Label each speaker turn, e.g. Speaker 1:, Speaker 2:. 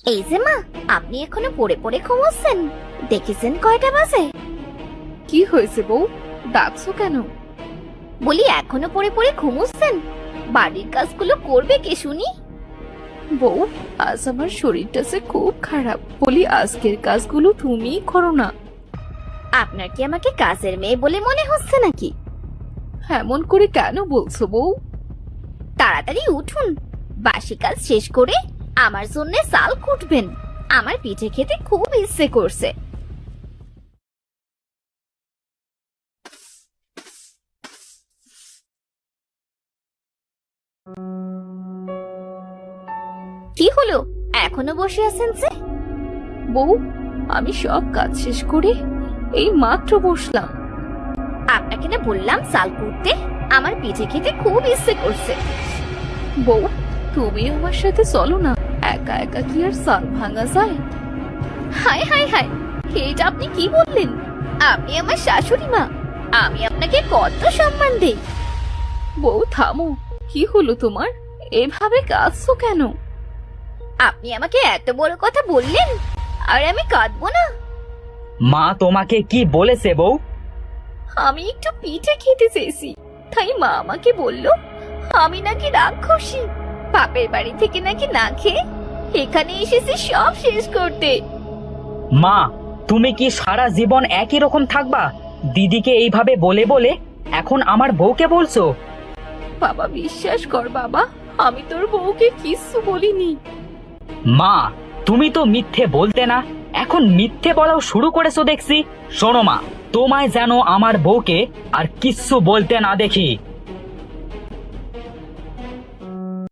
Speaker 1: এই যে মা, আপনি এখনো পড়ে পড়ে ঘুমোচ্ছেন? দেখেছেন কয়টা বাজে?
Speaker 2: কি হয়েছে বউ, ডাকছো কেন?
Speaker 1: বলি এখনো পড়ে পড়ে ঘুমোচ্ছেন? বাড়ির কাজগুলো করবে কে শুনি?
Speaker 2: বউ, আজ আমার শরীরটা যে খুব খারাপ, বলি আজকের কাজগুলো তুমিই করো না।
Speaker 1: আপনার কি আমাকে কাজের মেয়ে বলে মনে হচ্ছে নাকি?
Speaker 2: এমন করে কেন বলছো বউ?
Speaker 1: তাড়াতাড়ি উঠুন, বাসি কাজ শেষ করে আমার জন্য চাল কুটবেন। আমার পিঠে খেতে খুব ইচ্ছে করছে। কি হলো, এখনো বসে আছেন যে?
Speaker 2: বউ, আমি সব কাজ শেষ করে এই মাত্র বসলাম।
Speaker 1: আপনাকে না বললাম চাল কুটতে? আমার পিঠে খেতে খুব ইচ্ছে করছে।
Speaker 2: বউ, তুমি আমার সাথে চলো না, একা একা কি আর চাল ভাঙা যায়?
Speaker 1: হায় হায় হায়, এটা আপনি কি বললেন? আপনি আমার শাশুড়ি মা, আমি আপনাকে কত সম্মান দেই।
Speaker 2: বউ থামো, কি হলো তোমার? এভাবে কাঁদছো কেন?
Speaker 1: আপনি আমাকে এত বড় কথা বললেন, আর আমি কাঁদবো না?
Speaker 3: মা তোমাকে কি বলেছে বউ?
Speaker 2: আমি একটু পিঠে খেতে চেয়েছি, তাই মা আমাকে বলল
Speaker 1: আমি নাকি রাক্ষসী, বাপের বাড়ি থেকে নাকি না খেয়ে এখানে এসেছি সব শেষ করতে।
Speaker 3: মা, তুমি কি সারা জীবন একই রকম থাকবা? দিদিকে এইভাবে বলে বলে এখন আমার বউকে বলছো?
Speaker 2: বাবা বিশ্বাস কর বাবা, আমি তোর বউকে কিচ্ছু বলিনি।
Speaker 3: মা, তুমি তো মিথ্যে বলতে না, এখন মিথ্যে বলাও শুরু করেছো দেখছি। শোনো মা, তোমায় যেন আমার বউকে আর কিচ্ছু বলতে না দেখি।